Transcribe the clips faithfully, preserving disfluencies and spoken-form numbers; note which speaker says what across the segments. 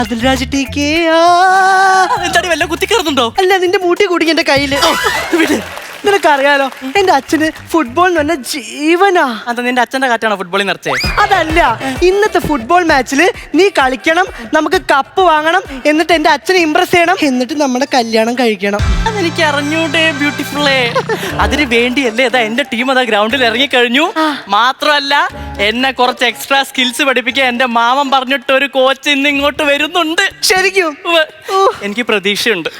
Speaker 1: അതിൽരാജ് T K
Speaker 2: എന്താടി വല്ല കുത്തിക്കയറുന്നുണ്ടോ?
Speaker 1: അല്ല, നിന്റെ മൂട്ടി കൂടി എന്റെ കയ്യില് വിട്. നിനക്കറിയാലോ എന്റെ അച്ഛന് ഫുട്ബോൾ എന്ന് പറഞ്ഞ ജീവനാ.
Speaker 2: അത് നിന്റെ അച്ഛന്റെ കാറ്റാണോ ഫുട്ബോളിൽ നിറച്ചേ?
Speaker 1: അതല്ല, ഇന്നത്തെ ഫുട്ബോൾ മാച്ചില് നീ കളിക്കണം, നമുക്ക് കപ്പ് വാങ്ങണം, എന്നിട്ട് എന്റെ അച്ഛനെ ഇംപ്രസ് ചെയ്യണം, എന്നിട്ട് നമ്മുടെ കല്യാണം കഴിക്കണം.
Speaker 2: അതെനിക്ക് അറിഞ്ഞൂടെ ബ്യൂട്ടിഫുള്ളേ. അതിന് വേണ്ടിയല്ലേ അതാ എന്റെ ടീം അതാ ഗ്രൗണ്ടിൽ ഇറങ്ങിക്കഴിഞ്ഞു. മാത്രമല്ല എന്നെ കുറച്ച് എക്സ്ട്രാ സ്കിൽസ് പഠിപ്പിക്കാൻ എന്റെ മാമൻ പറഞ്ഞിട്ട് ഒരു കോച്ച് ഇന്ന് ഇങ്ങോട്ട് വരുന്നുണ്ട്.
Speaker 1: ശരിക്കും
Speaker 2: എനിക്ക് പ്രതീക്ഷയുണ്ട്.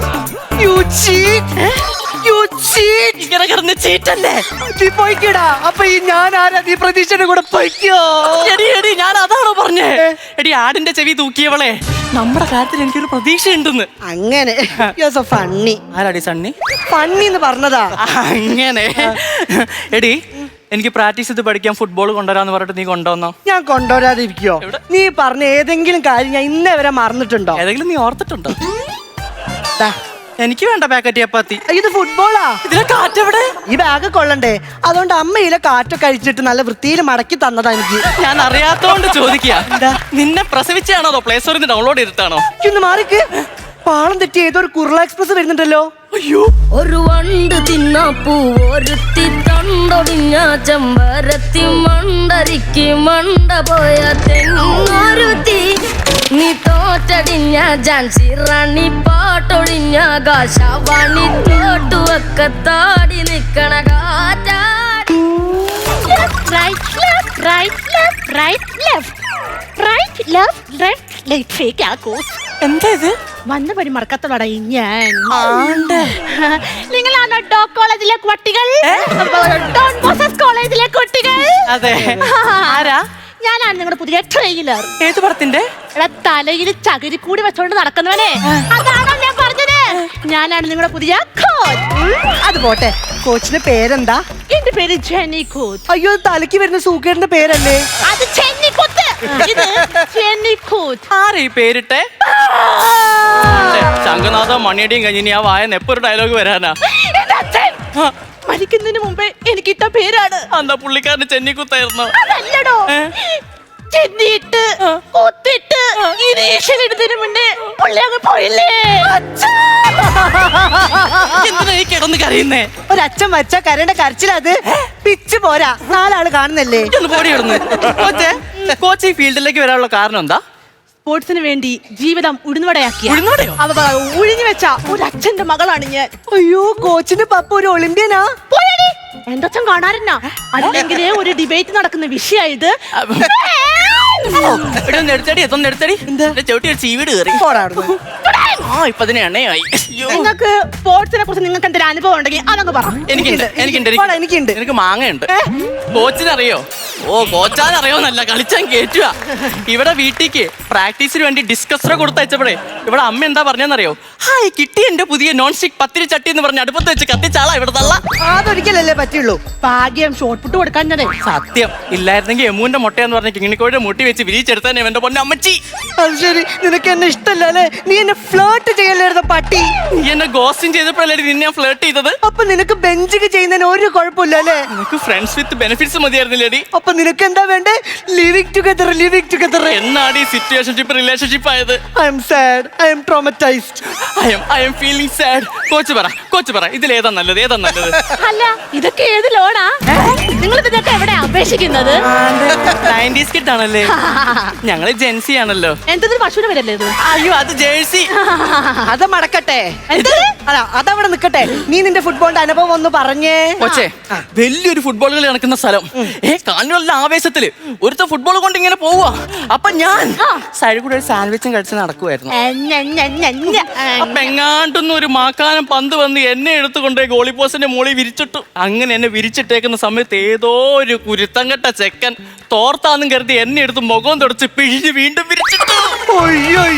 Speaker 2: ഇങ്ങനെ കിടന്ന് ചീറ്റല്ലേ
Speaker 1: നീ പോയിക്കടാ. അപ്പൊ ഈ ഞാൻ ആരാ? നീ പ്രതീക്ഷയുടെ കൂടെ പോയിക്കോ.
Speaker 2: എടി എടി ഞാൻ അതാണോ പറഞ്ഞേ? എടി ആടിന്റെ ചെവി തൂക്കിയവളെ, നമ്മുടെ കാര്യത്തിൽ എനിക്കൊരു പ്രതീക്ഷയുണ്ടെന്ന്.
Speaker 1: അങ്ങനെ ഫണ്ണി.
Speaker 2: ആരാടി സണ്ണി?
Speaker 1: ഫണ്ണി എന്ന് പറഞ്ഞതാ.
Speaker 2: അങ്ങനെ എടി എനിക്ക് പ്രാക്ടീസ് ചെയ്ത് പഠിക്കാൻ ഫുട്ബോൾ കൊണ്ടുവരാന്ന് പറഞ്ഞിട്ട് നീ കൊണ്ടുവന്നോ?
Speaker 1: ഞാൻ കൊണ്ടുവരാതിരിക്കോ? നീ പറഞ്ഞ ഏതെങ്കിലും കാര്യം ഞാൻ ഇന്നേ വരെ മറന്നിട്ടുണ്ടോ?
Speaker 2: ഏതെങ്കിലും നീ ഓർത്തിട്ടുണ്ടോ? എനിക്ക് വേണ്ട പാക്കറ്റ് ചപ്പാത്തി.
Speaker 1: ഇത് ഫുട്ബോളാ.
Speaker 2: ഇതിലെ കാറ്റെവിടെ?
Speaker 1: ഈ ബാഗ് കൊള്ളണ്ടേ? അതുകൊണ്ട് അമ്മയിലെ കാറ്റൊക്കെ അഴിച്ചിട്ട് നല്ല വൃത്തിയിൽ മടക്കി തന്നതാ എനിക്ക്.
Speaker 2: ഞാൻ അറിയാത്തോണ്ട് ചോദിക്കുക. നിന്നെ പ്രസവിച്ചാണോ പ്ലേ സ്റ്റോറിൽ നിന്ന് ഡൗൺലോഡ് ചെയ്തിട്ടാണോ?
Speaker 1: ഒന്ന് മാറിക്ക്. പാളം തെറ്റി ഏതോ ഒരു കുർള എക്സ്പ്രസ് വരുന്നുണ്ടല്ലോ.
Speaker 2: അയ്യോ,
Speaker 3: ഒരു വണ്ട് തിന്നപ്പൂ ഒരുത്തി തണ്ടൊടിഞ്ഞ ചെമ്പരത്തി മണ്ടരിക്ക് മണ്ട പോയ തെങ്ങൊരുത്തി നീ തോറ്റടിഞ്ഞ ജാൻസി റാണി പാട്ടൊടിഞ്ഞ കാശവാണി തോട്ടുവൊക്കെ താടി നിക്കണ കാറ്റാടി.
Speaker 4: Right, left, right, left, right, left, right, left, left, left. Fake ആക്കോസ്.
Speaker 2: എന്താ ഇത്?
Speaker 4: വന്ന പടി മറക്കത്തോടാ ഞാൻ.
Speaker 2: ആണ്ട്.
Speaker 4: നിങ്ങളാണോ ഡോ കോളേജിലെ കുട്ടികൾ? ഡോൺ മോസസ് കോളേജിലെ കുട്ടികൾ?
Speaker 2: അതെ. ആരാ?
Speaker 4: ഞാനാണ് നിങ്ങളുടെ പുതിയ ട്രെയിലർ.
Speaker 2: ഏത് പടത്തിന്റെ?
Speaker 4: എടാ തലയിൽ ചകിരി കൂടി വെച്ചോണ്ട് നടക്കുന്നവനെ, അതാണോ ഞാൻ പറഞ്ഞത്? ഞാനാണ് നിങ്ങളുടെ പുതിയ കോച്ച്.
Speaker 1: അത് പോട്ടെ, കോച്ചിന്റെ പേരെന്താ?
Speaker 4: എന്റെ പേര് ജെന്നി കൂത്ത്.
Speaker 1: അയ്യോ, തലക്ക് വരുന്ന സൂക്കേടിന്റെ പേരല്ലേ?
Speaker 4: അത് ജെന്നി കൂത്ത്. ഇത് ജെന്നി കൂത്ത്.
Speaker 2: ആരാ ഈ പേരിട്ടെ? ശംഖനാഥ മണിയടിയും കഴിഞ്ഞ് ആ വായ നെപ്പൊരു ഡയലോഗ് വരാനാ.
Speaker 4: എന്റെ അച്ഛൻ മരിക്കുന്നതിന് മുമ്പേ എനിക്ക് ഇട്ട പേരാണ്.
Speaker 2: എന്താ പുള്ളിക്കാരന് ചെന്നിക്കുത്തായിരുന്നു?
Speaker 4: അതല്ലടോ, ചെന്നിട്ട് ഒത്തിട്ട് ഇടുന്നതിന് മുന്നേ പുള്ളി അങ്ങ് പോയില്ലേ.
Speaker 2: എന്തിനാ ഈ കിടന്ന് കരയുന്നേ?
Speaker 1: ഒരച്ഛൻ വച്ച കരയുടെ കരച്ചിലത് പിച്ച് പോരാ. നാലാള് കാണുന്നല്ലേ.
Speaker 2: ഒന്ന് പോടി കിടന്ന്. കോച്ചേ, കോച്ച് ഈ ഫീൽഡിലേക്ക് വരാനുള്ള കാരണം എന്താ?
Speaker 4: സ്പോർട്സിന് വേണ്ടി ജീവിതം ഉഴുന്നുവടയാക്കിയ
Speaker 2: ഉഴുന്നുവടയോ?
Speaker 4: ഉഴിഞ്ഞു വെച്ച ഒരു അച്ഛന്റെ മകളാണ് ഞാൻ.
Speaker 1: അയ്യോ, കോച്ചിന്റെ പപ്പ ഒരു ഒളിമ്പ്യനാ.
Speaker 4: എന്റെ അച്ഛൻ കാണാറുന്നാ. അല്ലെങ്കിൽ ഒരു ഡിബേറ്റ് നടക്കുന്ന വിഷയായത്.
Speaker 2: നെടുത്തടി എത്തൊന്ന് നെടുത്തടി ചവിട്ടി ഒരു ചീവീട് കയറി. ആ ഇപ്പൊ അതിന് എണ്ണയായി.
Speaker 4: നിങ്ങൾക്ക് സ്പോർട്സിനെ കുറിച്ച് നിങ്ങൾക്ക് എന്തെങ്കിലും അനുഭവം ഉണ്ടെങ്കിൽ അതങ്ങ് പറ.
Speaker 2: എനിക്കുണ്ട് എനിക്കുണ്ട്
Speaker 1: എനിക്കുണ്ട്
Speaker 2: എനിക്ക് മാങ്ങയുണ്ട്. കോച്ചിനറിയോ? ഓ കോച്ചാനറിയോന്നല്ല, കളിച്ചാൻ കേറ്റുക. ഇവിടെ വീട്ടിക്ക് പ്രാക്ടീസിന് വേണ്ടി ഡിസ്കസറെ കൊടുത്തയച്ചപ്പോഴേ ഇവിടെ അമ്മ എന്താ പറഞ്ഞെന്നറിയോ? ഹായ് കിട്ടി എന്റെ പുതിയ നോൺ സ്റ്റിക് പത്തിരി ചട്ടി എന്ന് പറഞ്ഞ് അടുപ്പത്ത് വെച്ച് കത്തിച്ചാളാ ഇവിടെ തള്ള.
Speaker 1: അതൊരിക്കലല്ലേ പറ്റുള്ളൂ.
Speaker 4: ഭാഗ്യം ഷോർട്ട് പുട്ട് കൊടുക്കാൻ ഞാൻ.
Speaker 2: സത്യം ഇല്ലായിരുന്നെങ്കിൽ എമൂന്റെ മുട്ടയെന്ന് പറഞ്ഞ കിങ്ങിണിക്കോയുടെ മുട്ടി വെച്ച് വിരിച്ചെടുത്താനേ എന്റെ പൊന്നെ അമ്മച്ചി.
Speaker 1: അത് ശരി, നിനക്ക് എന്നെ ഇഷ്ടല്ല അല്ലേ? നീ എന്നെ ഫ്ലേർട്ട് ചെയ്യല്ലായിരുന്ന പട്ടി.
Speaker 2: നീ എന്നെ ഗോസ്റ്റിംഗ് ചെയ്തപ്പോഴല്ലേ നിന്നെ ഞാൻ ഫ്ലേർട്ട് ചെയ്തത്?
Speaker 1: അപ്പൊ നിനക്ക് ബെഞ്ചിക്ക് ചെയ്യുന്നതിന് ഒരു കുഴപ്പമില്ല അല്ലേ?
Speaker 2: നിനക്ക് ഫ്രണ്ട്സ് വിത്ത് ബെനിഫിറ്റ്സ് മതിയായിരുന്നില്ലേടി?
Speaker 1: അപ്പൊ നിനക്ക് എന്താ വേണ്ടേ? Living together living together.
Speaker 2: എന്നാണ് ഈ സിറ്റുവേഷൻഷിപ്പ് റിലേഷൻഷിപ്പ് ആയത്?
Speaker 1: I'm sad, I'm traumatised,
Speaker 2: I'm I'm feeling sad. കോച്ച് പറ കോച്ച് പറ ഇതിൽ ഏതാ നല്ലത് ഏതാ നല്ലത്?
Speaker 4: അല്ല ഇതൊക്കെ ഏത് ലോണാ? നിങ്ങൾ ഇതൊക്കെ എവിടെ അപേക്ഷിക്കുന്നത്?
Speaker 2: നയൻറ്റീസ് കിഡ് ആണല്ലേ? ഞങ്ങള് ജെൻസി ആണല്ലോ.
Speaker 4: എന്തൊരു പശുവിനെ വരല്ലേ ഇത്?
Speaker 2: അയ്യോ അത് ജേഴ്സി.
Speaker 1: അത് മടക്കട്ടെ. അല്ല അതവിടെ നിക്കട്ടെ. നീ നിന്റെ ഫുട്ബോളിന്റെ അനുഭവം ഒന്ന് പറഞ്ഞേ.
Speaker 2: കൊച്ചേ, വലിയൊരു ഫുട്ബോൾ കളി നടക്കുന്ന സ്ഥലം. ഏ കാണുന്ന ആവേശത്തില് ഒരുത്ത ഫുട്ബോൾ കൊണ്ട് ഇങ്ങനെ പോവാ. അപ്പൊ ഞാൻ സൈഡിൽ കൂടെ ഒരു സാൻഡ്വിച്ചും കഴിച്ച് നടക്കുവായിരുന്നു. അപ്പൊ എങ്ങാണ്ടൊന്നും ഒരു മാക്കാനം പന്ത് വന്ന് എന്നെ എടുത്തുകൊണ്ട് ഗോളി പോസ്റ്റിന്റെ മുകളിൽ വിരിച്ചിട്ടു. അങ്ങനെ എന്നെ വിരിച്ചിട്ടേക്കുന്ന സമയത്ത് ഏതോ ഒരു കുരുത്തങ്കട്ട ചെക്കൻ തോർത്താന്നും കരുതി എന്നെ എടുത്ത് മുഖം തുടച്ച് പിഴിഞ്ഞ് വീണ്ടും വിരിച്ചിട്ടു.
Speaker 1: അയ്യോ